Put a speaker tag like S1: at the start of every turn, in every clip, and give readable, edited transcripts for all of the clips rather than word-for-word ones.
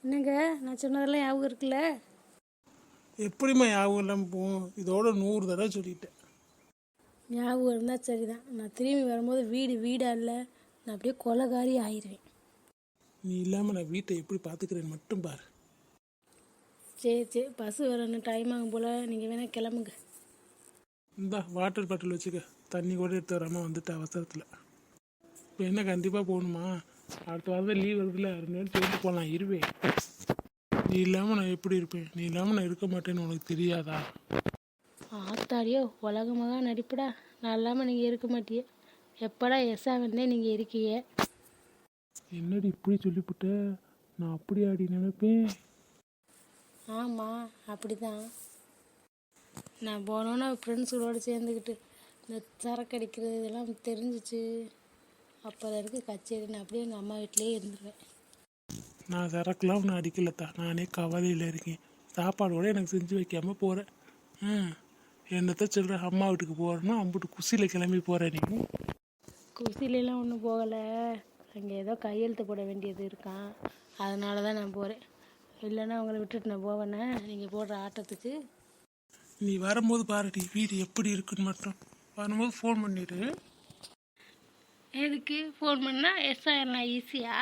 S1: என்னங்க நான் சொன்னதெல்லாம் ஞாபகம் இருக்குல்ல?
S2: எப்படிம்மா ஞாபகம் இல்லாமல் போகும்? இதோட 100 தடவை சொல்லிட்டேன்.
S1: ஞாபகம் இருந்தால் சரிதான். நான் திரும்பி வரும்போது வீடா இல்லை, நான் அப்படியே கொலைகாரி ஆயிடுவேன்.
S2: நீ இல்லாமல் நான் வீட்டை எப்படி பார்த்துக்கிறேன்னு மட்டும் பாரு.
S1: சரி, பஸ் வரணும், டைம் ஆகும் போல். நீங்கள் வேணால் கிளம்புங்க.
S2: இந்தா வாட்டர் பாட்டில் வச்சுக்க. தண்ணி கூட எடுத்து வராமல் வந்துட்டு அவசரத்தில். இப்போ என்ன கண்டிப்பாக போகணுமா? அடுத்த வாரம் லீவ் வருதுல, 2 நாள் சேர்ந்து போகலாம். இருவேன். நீ இல்லாமல் நான் எப்படி இருப்பேன்? நீ இல்லாமல் நான் இருக்க மாட்டேன்னு உனக்கு தெரியாதா?
S1: ஆத்தாடியோ, உலகமாக நடிப்புடா. நான் இல்லாமல் நீங்கள் இருக்க மாட்டியே. எப்படா எஸ்ஸா வந்தே நீங்கள் இருக்கீங்க.
S2: என்னடி இப்படி சொல்லிவிட்ட? நான் அப்படி ஆடி நினைப்பேன்.
S1: ஆமாம், அப்படி தான். நான் போனோன்னா ஃப்ரெண்ட்ஸுகளோடு சேர்ந்துக்கிட்டு இந்த சரக்கு அடிக்கிறது இதெல்லாம் தெரிஞ்சிச்சு. அப்புறம் இருக்கு கச்சேரி. நான் அப்படியே எங்கள் அம்மா வீட்டிலேயே இருந்துருவேன்.
S2: நான் சரக்குலாம் ஒன்று அடிக்கலத்தா. நானே கவலையில் இருக்கேன். சாப்பாடு கூட எனக்கு செஞ்சு வைக்காமல் போகிறேன். என்னத்த சொல்கிற? அம்மா வீட்டுக்கு போகிறேன்னா அம்புட்டு குசியில் கிளம்பி போகிறேன். நீ
S1: குசிலெலாம் ஒன்றும் போகலை. அங்கே ஏதோ கையெழுத்து போட வேண்டியது இருக்கான், அதனால தான் நான் போகிறேன். இல்லைன்னா அவங்கள விட்டுட்டு நான் போவேனே நீங்கள் போடுற ஆட்டத்துக்கு.
S2: நீ வரும்போது பாருடி வீடு எப்படி இருக்குன்னு மட்டும். வரும்போது ஃபோன் பண்ணிடு.
S1: எதுக்கு ஃபோன் பண்ணால் எஸ் ஆயிடலாம் ஈஸியா?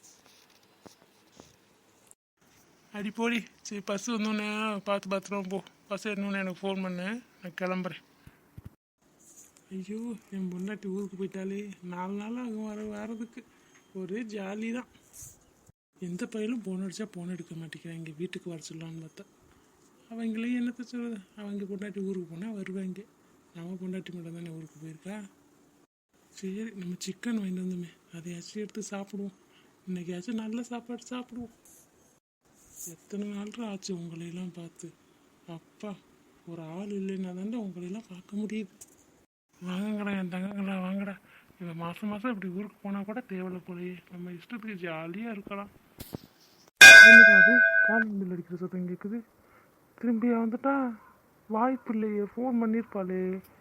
S2: அடி போடி. சரி, பஸ் வந்தோடனே பார்த்து பத்திரமா போ. பஸ் ஏறணுன்னு எனக்கு ஃபோன் பண்ணு, நான் கிளம்புறேன். ஐயோ, என் பொண்டாட்டி ஊருக்கு போயிட்டாலே 4 நாள் ஆகும் வரதுக்கு. ஒரே ஜாலி தான். எந்த பையனும் ஃபோன் அடித்தா ஃபோன் எடுக்க மாட்டேங்கிறான். இங்கே வீட்டுக்கு வர சொல்லலான்னு பார்த்தா அவங்களையும் என்னத்த சொல்கிறது? அவங்க பொண்டாட்டி ஊருக்கு போனால் வருவாங்க. நம்ம பொண்டாட்டி மட்டும் தானே ஊருக்கு போயிருக்கா. சரி, நம்ம சிக்கன் வாங்கிட்டு வந்தோமே, அதையாச்சும் எடுத்து சாப்பிடுவோம். இன்றைக்கியாச்சும் நல்ல சாப்பாடு சாப்பிடுவோம். எத்தனை நாள் ஆச்சு உங்களையெல்லாம் பார்த்து. அப்பா, ஒரு ஆள் இல்லைன்னா தாண்டா உங்களையெல்லாம் பார்க்க முடியுது. வாங்கடா என் தங்கங்களா, வாங்கடா. இவன் மாதம் இப்படி ஊருக்கு போனால் கூட தேவையில்ல போலையே. நம்ம இஷ்டத்துக்கு ஜாலியாக இருக்கலாம். அது காலிங் பில் அடிக்கிற சத்தம் கேட்குது. திரும்பியா வந்துட்டா? வாய்ப்பு இல்லையே, ஃபோன் பண்ணியிருப்பாளே.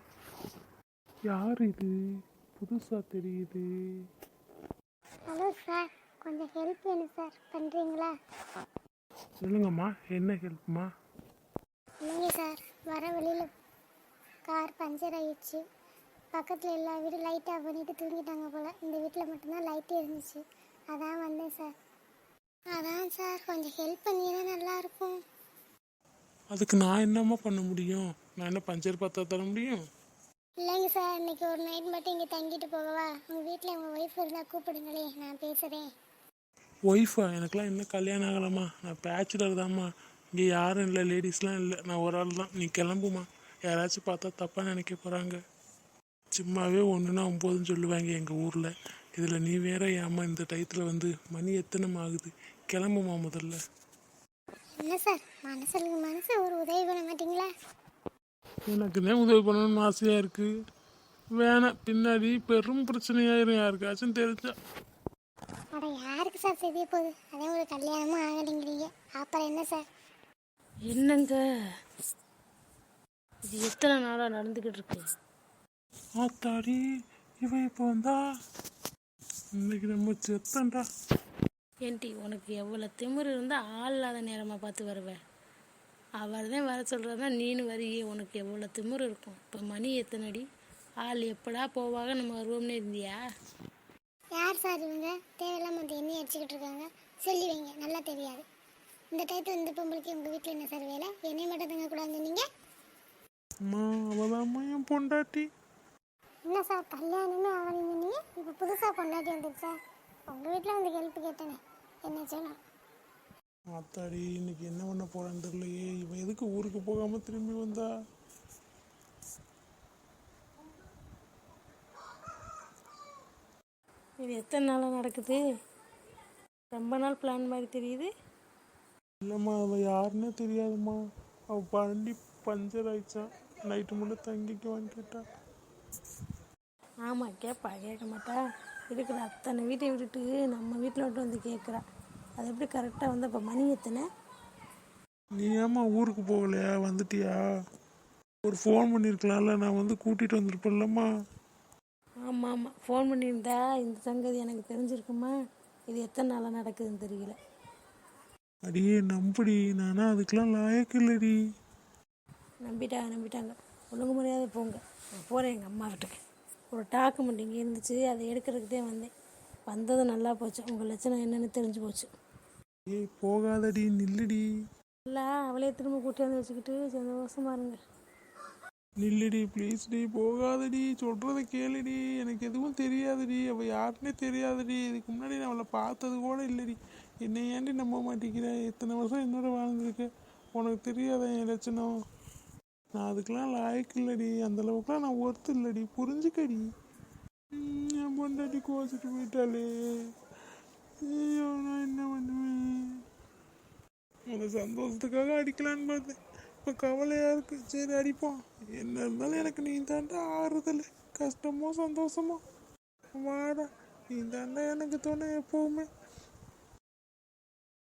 S2: யார் இது? புதுசாக தெரியுது.
S3: ஹலோ சார், கொஞ்சம் ஹெல்ப் வேணும் சார், பண்ணுறீங்களா?
S2: சொல்லுங்கம்மா, என்ன ஹெல்ப்மா?
S3: இல்லைங்க சார், வர வழியில் கார் பஞ்சர் ஆகிடுச்சு. பக்கத்தில் எல்லா வீடும் லைட் ஆஃப் பண்ணிவிட்டு தூங்கிட்டாங்க போல். இந்த வீட்டில் மட்டும்தான் லைட்டு இருந்துச்சு. அதான் வந்தேன் சார். அதான் சார், கொஞ்சம் ஹெல்ப் பண்ணினா நல்லாயிருக்கும்.
S2: அதுக்கு நான் என்னம்மா பண்ண முடியும்? நான் என்ன பஞ்சர் பார்த்தா தர முடியும்?
S3: இல்லைங்க சார், இன்னைக்கு ஒரு நைட் மட்டும் இங்கே தங்கிட்டு போகவா? உங்கள் வீட்டில் உங்கள் ஒய்ஃப் இருந்தால் கூப்பிடுங்களே, நான் பேசுகிறேன்.
S2: ஒய்ஃபா? எனக்கெலாம் இன்னும் கல்யாணம் ஆகலாமா? நான் பேச்சுலர் தான்மா. இங்கே யாரும் இல்லை, லேடிஸ்லாம் இல்லை, நான் ஒரு ஆள் தான். நீ கிளம்புமா. யாராச்சும் பார்த்தா தப்பாக நினைக்க போகிறாங்க. சும்மாவே 1ன்னா 9ன்னு சொல்லுவாங்க எங்கள் ஊரில். இதில் நீ வேற ஏம்மா இந்த டயத்தில் வந்து? மணி எத்தனை ஆகுது? கிளம்புமா முதல்ல.
S3: என்ன சார், மனசு ஒரு உதவி பண்ண மாட்டீங்களா?
S2: எனக்குன்னே உதவி பண்ணணும்னு ஆசையாக இருக்குது. வேணாம், பின்னாடி பெரும் பிரச்சனையாயிரும் யாருக்காச்சும் தெரிஞ்சா.
S3: அட, யாருக்கு சார் தெரிய போகுது? அதே ஒரு கல்யாணமும் ஆகலைங்கிறீங்க, அப்புறம் என்ன சார்?
S1: என்னங்க இது எத்தனை நாளாக நடந்துக்கிட்டு இருக்கு?
S2: ஆத்தாடி, இவன் இப்போ வந்தா இன்னைக்கு நம்ம செத்தண்டா.
S1: ஏன்டி, உனக்கு எவ்வளோ திமிரு இருந்தால் ஆள் இல்லாத நேரமாக பார்த்து வருவேன். அவர் தான் வர சொல்கிறதா நீனு வரியே. உனக்கு எவ்வளோ திமிரு இருக்கும்? இப்போ மணி எத்தனடி? ஆள் எப்படா போவாங்க, நம்ம வருவோம்னு இருந்தியா?
S3: யார் சார் இவங்க? தேவையில்லாம வந்து என்ன அடிச்சுக்கிட்டு இருக்காங்க. சொல்லி வைங்க, நல்லா தெரியாது. இந்த டயத்தில் இந்த பொம்பளைக்கு உங்கள் வீட்டில் என்ன சார் வேலை? என்னை மட்டும் தங்க கூடாது நீங்கள்?
S2: அம்மா, அவதாம்மா என் பொண்டாட்டி.
S3: என்ன சார், கல்யாணமே ஆகலைங்க நீங்கள், இப்போ புதுசாக பொண்டாட்டி வந்துடுச்சா? உங்கள் வீட்டில் வந்து ஹெல்ப் கேட்டேனே, என்ன செய்யலாம்?
S2: ஆத்தாடி, இன்னைக்கு என்ன பண்ண போறான்னு தெரியலையே. இவன் எதுக்கு ஊருக்கு போகாம திரும்பி வந்தா?
S1: இது எத்தனை நாளாக நடக்குது? ரொம்ப நாள் பிளான் மாதிரி தெரியுது.
S2: இல்லைம்மா, அவள் யாருன்னே தெரியாதும்மா. அவள் வண்டி பஞ்சர் ஆயிடுச்சான். நைட்டு மட்டும் தங்கிக்குவான்னு கேட்டா.
S1: ஆமாம், கேட்க மாட்டா. இருக்கிற அத்தனை வீட்டை விட்டுட்டு நம்ம வீட்டில் மட்டும் வந்து கேட்குறா. அது எப்படி கரெக்டாக வந்து? அப்போ மணி எத்தனை?
S2: நீ ஏம்மா ஊருக்கு போகலையா? வந்துட்டியா? ஒரு ஃபோன் பண்ணியிருக்கலாம்ல, நான் வந்து கூட்டிகிட்டு வந்திருப்பேன்லம்மா.
S1: ஆமாம், ஃபோன் பண்ணியிருந்தா இந்த சங்கதி எனக்கு தெரிஞ்சிருக்குமா? இது எத்தனை நாளாக நடக்குதுன்னு தெரியல.
S2: அடியே நம்புடி, நானா அதுக்கெல்லாம் லாயக்கு இல்லடி.
S1: நம்பிட்டாங்க. ஒழுங்கு மரியாதை போங்க. நான் போகிறேன் எங்கள் அம்மா வீட்டுக்கு. ஒரு டாக்குமெண்ட் இங்கே இருந்துச்சு, அதை எடுக்கிறதுக்கு தான் வந்தேன். வந்தது நல்லா போச்சு. உங்கள் லட்சணம் என்னன்னு தெரிஞ்சு போச்சு.
S2: ஏய் போகாதடி, நில்லுடி.
S1: இல்லை, அவளையே திரும்ப கூட்டியாந்து வச்சுக்கிட்டு சந்தோஷமா இருங்க.
S2: நில்லுடி ப்ளீஸ்டி, போகாதடி, சொல்கிறத கேளுடி. எனக்கு எதுவும் தெரியாதுடி, அவள் யாருன்னே தெரியாதுடி. இதுக்கு முன்னாடி நான் அவளை பார்த்தது கூட இல்லடி. என்னை ஏன்டி நம்ப மாட்டேங்கிற? எத்தனை வருஷம் என்னோட வாழ்ந்துருக்க, உனக்கு தெரியாத என் லட்சணம்? நான் அதுக்கெல்லாம் லாயக்கு இல்லடி, அந்தளவுக்குலாம் நான் ஒர்த்து இல்லடி, புரிஞ்சுக்கடி. என் பொண்டாட்டி கோச்சிட்டு போயிட்டாலே, ஐயோ நான் என்ன பண்ணுவேன்? அந்த சந்தோஷத்துக்காக அடிக்கலான்னு பார்த்தேன், இப்போ கவலையாக இருக்குது. சரி அடிப்போம், என்ன இருந்தாலும் எனக்கு நீ தாண்டா ஆறுதல். கஷ்டமோ சந்தோஷமோ வாடா, நீ தாண்டா எனக்கு தோணு எப்போவுமே.